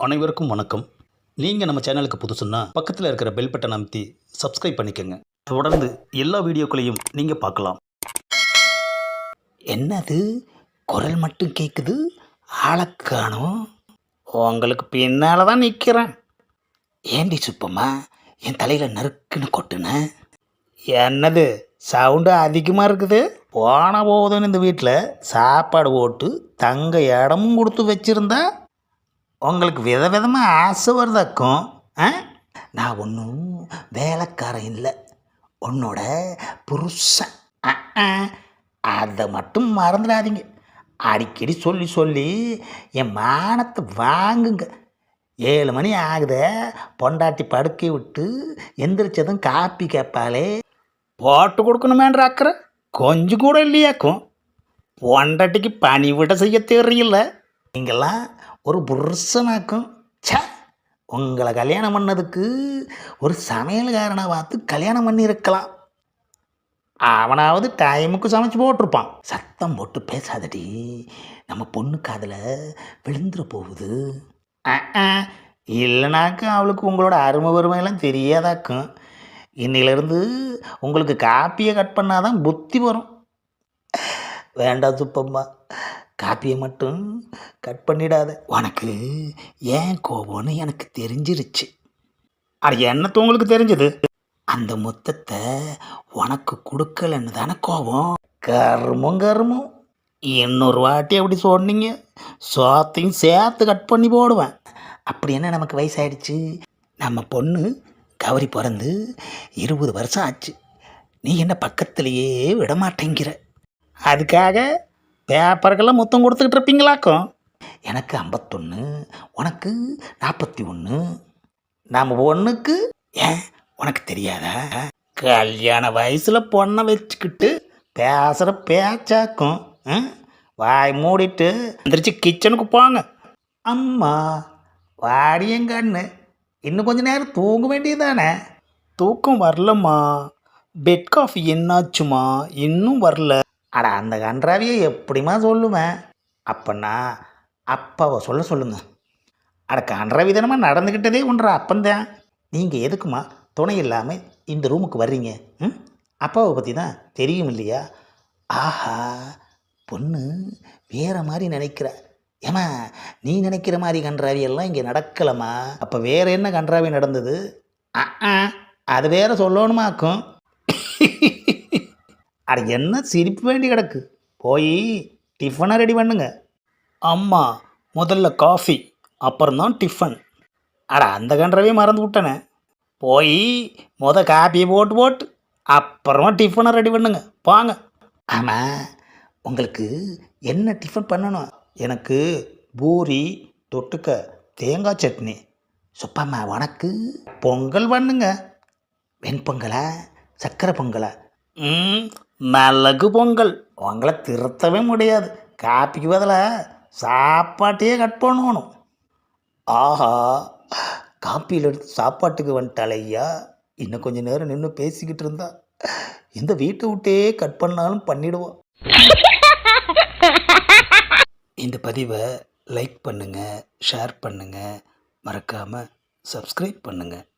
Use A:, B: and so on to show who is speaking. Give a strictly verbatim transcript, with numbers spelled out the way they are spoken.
A: அனைவருக்கும் வணக்கம். நீங்கள் நம்ம சேனலுக்கு புதுசுன்னா பக்கத்தில் இருக்கிற பெல் பட்டன் அமைத்தி சப்ஸ்கிரைப் பண்ணிக்கோங்க. தொடர்ந்து எல்லா வீடியோக்களையும் நீங்கள் பார்க்கலாம். என்னது குரல் மட்டும் கேட்குது, ஆளக்கானோ? உங்களுக்கு பின்னால் தான் நிற்கிறேன். ஏண்டி சுப்பம்மா என் தலையில் நறுக்குன்னு கொட்டுனேன். என்னது சவுண்டு அதிகமாக இருக்குது? போன போதுன்னு இந்த வீட்டில் சாப்பாடு போட்டு தங்க இடமும் கொடுத்து வச்சுருந்தா உங்களுக்கு வித விதமாக ஆசை வருதாக்கும். ஆ நான் ஒன்றும் வேலைக்காரன் இல்லை, உன்னோட புருஷன். அதை மட்டும் மறந்துடாதீங்க. அடிக்கடி சொல்லி சொல்லி என் மானத்தை வாங்குங்க. ஏழு மணி ஆகுத, பொண்டாட்டி படுக்கை விட்டு எந்திரிச்சதும் காப்பி கேட்பாலே, போட்டு கொடுக்கணுமேன்ற அக்கறை கொஞ்சம் கூட இல்லையாக்கும். பொண்டாட்டிக்கு பணி விட செய்ய தெரியல. நீங்கள்லாம் ஒரு புருஷனாக்கும். சே, உங்களை கல்யாணம் பண்ணதுக்கு ஒரு சமையல்காரனை பார்த்து கல்யாணம் பண்ணியிருக்கலாம். அவனாவது டைமுக்கு சமைச்சு போட்டிருப்பான். சத்தம் போட்டு பேசாதடி, நம்ம பொண்ணு காதில் விழுந்துட போகுது. இல்லைனாக்கா அவளுக்கு உங்களோட அருமை வறுமையெல்லாம் தெரியாதாக்கும். இன்னிலிருந்து உங்களுக்கு காப்பியை கட் பண்ணாதான் புத்தி வரும். வேண்டாம் சுப்பம்மா, காப்பியை மட்டும் கட் பண்ணிடாத. உனக்கு ஏன் கோபம்னு எனக்கு தெரிஞ்சிருச்சு. அது என்னத்து உங்களுக்கு தெரிஞ்சது? அந்த மொத்தத்தை உனக்கு கொடுக்கலன்னு தானே கோபம். கருமும் கருமும். இன்னொரு வாட்டி அப்படி சொன்னீங்க, சோத்தையும் சேர்த்து கட் பண்ணி போடுவேன். அப்படி என்ன நமக்கு வயசாயிடுச்சு? நம்ம பொண்ணு கௌரி பிறந்து இருபது வருஷம் ஆச்சு. நீ என்ன பக்கத்துலேயே விடமாட்டேங்கிற. அதுக்காக பேப்பருக்கெல்லாம் மொத்தம் கொடுத்துக்கிட்டு இருப்பீங்களாக்கும். எனக்கு ஐம்பத்தொன்று, உனக்கு நாற்பத்தி ஒன்று. நம்ம பொண்ணுக்கு ஏன் உனக்கு தெரியாதா? கல்யாண வயசில் பொண்ணை வச்சுக்கிட்டு பேசுகிற பேச்சாக்கும். வாய் மூடிட்டு எந்திரிச்சு கிச்சனுக்கு போங்க. அம்மா வாடியங்கண்ணு, இன்னும் கொஞ்ச நேரம் தூங்க வேண்டியதானே? தூக்கம் வரலம்மா. பெட் காஃபி என்னாச்சுமா? இன்னும் வரல. அட, அந்த கன்றாவியை எப்படிமா சொல்லுவேன்? அப்பன்னா அப்பாவை சொல்ல சொல்லுங்க. அட, கன்றாவி தானமாக நடந்துக்கிட்டதே ஒன்றா அப்பந்தான். நீங்கள் எதுக்குமா துணை இல்லாமல் இந்த ரூமுக்கு வர்றீங்க? ம் அப்பாவை பற்றி தான் தெரியும் இல்லையா? ஆஹா, பொண்ணு வேறு மாதிரி நினைக்கிற. ஏமா, நீ நினைக்கிற மாதிரி கன்றாவியெல்லாம் இங்கே நடக்கலம்மா. அப்போ வேறு என்ன கன்றாவி நடந்தது? ஆ அது வேறு சொல்லணுமாக்கும். அட, என்ன சிரிப்பு வேண்டி கிடக்கு? போய் டிஃபனை ரெடி பண்ணுங்க. அம்மா முதல்ல காஃபி, அப்புறம்தான் டிஃபன். அட, அந்த கன்றாவே மறந்து விட்டனே. போய் முத காப்பியை போட்டு போட்டு அப்புறமா டிஃபனை ரெடி பண்ணுங்க, வாங்க. ஆமாம், உங்களுக்கு என்ன டிஃபன் பண்ணணும்? எனக்கு பூரி தொட்டுக்க தேங்காய் சட்னி. சுப்பம்மா உனக்கு பொங்கல் பண்ணுங்க. வெண்பொங்கலா சக்கரை பொங்கலா? ம் மிளகு பொங்கல். உங்களை திருத்தவே முடியாது. காப்பிக்கு பதிலாக சாப்பாட்டையே கட் பண்ணணும். ஆஹா, காப்பியில் எடுத்து சாப்பாட்டுக்கு வந்துட்டாலே ஐயா. இன்னும் கொஞ்சம் நேரம் நின்று பேசிக்கிட்டு இருந்தா இந்த வீட்டை விட்டே கட் பண்ணாலும் பண்ணிடுவோம். இந்த பதிவை லைக் பண்ணுங்கள், ஷேர் பண்ணுங்கள், மறக்காமல் சப்ஸ்கிரைப் பண்ணுங்கள்.